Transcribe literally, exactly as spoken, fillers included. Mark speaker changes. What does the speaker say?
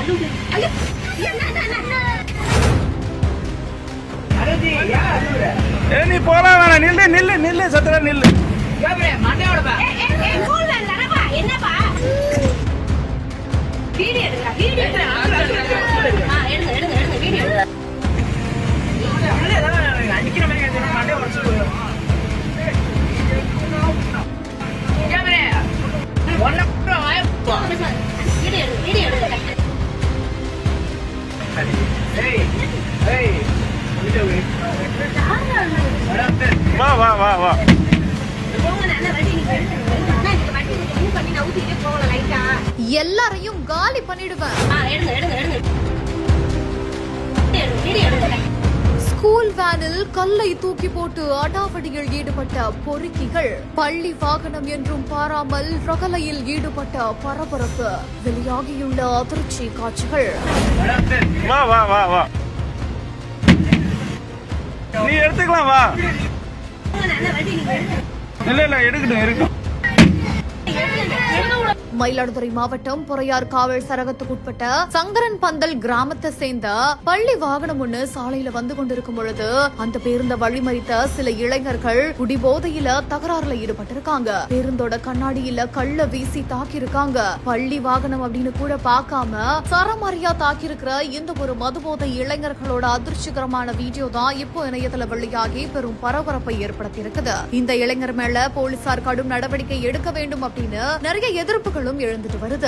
Speaker 1: ஏ நீ போலாம் வேணாம், நில்லு நில்லு நில்லு சத்திர நில்லு.
Speaker 2: என்னப்பா வீடியோ எடுங்க, வீடியோ எடுங்க, எடுங்க எடுங்க வீடியோ எடுங்க.
Speaker 1: அடிக்கிற மாதிரி மண்டே உடச்சு போயிடும்.
Speaker 2: வீடியோ எடுங்க, வீடியோ எடுங்க.
Speaker 1: வா வா வா வா
Speaker 3: எல்லாரையும் காலி பண்ணிடுவேன். ஸ்கூல் வேனில் கல்லை தூக்கி போட்டு அடாவடியில் ஈடுபட்ட பொறுக்கிகள், பள்ளி வாகனம் என்றும் பாராமல் ரகலையில் ஈடுபட்ட பரபரப்பு, வெளியாகியுள்ள அதிர்ச்சி காட்சிகள்.
Speaker 1: வா வா வா வா நீ எடுத்துக்கலாம் வா. இல்ல இல்ல எடுக்கட்டும் இருக்கட்டும்.
Speaker 3: மயிலாடுதுறை மாவட்டம் பொறையார் காவல் சரகத்துக்குட்பட்ட சங்கரன் பந்தல் கிராமத்தை சேர்ந்த பள்ளி வாகனம் ஒண்ணு சாலையில வந்து கொண்டிருக்கும் பொழுது அந்த பேருந்த வழிமறித்த சில இளைஞர்கள் குடிபோதையில தகராறுல ஈடுபட்டிருக்காங்க. பேருந்தோட கண்ணாடியில கள்ள வீசி தாக்கியிருக்காங்க. பள்ளி வாகனம் அப்படின்னு கூட பார்க்காம சரமாரியா தாக்கியிருக்கிற இந்த ஒரு மதுபோதை இளைஞர்களோட அதிர்ச்சிகரமான வீடியோ தான் இப்போ இணையத்துல வெளியாகி பெரும் பரபரப்பை ஏற்படுத்தி இருக்குது. இந்த இளைஞர் மேல போலீசார் கடும் நடவடிக்கை எடுக்க வேண்டும் அப்படின்னு நிறைய எதிர்ப்புகளும் எழுந்துட்டு வருது.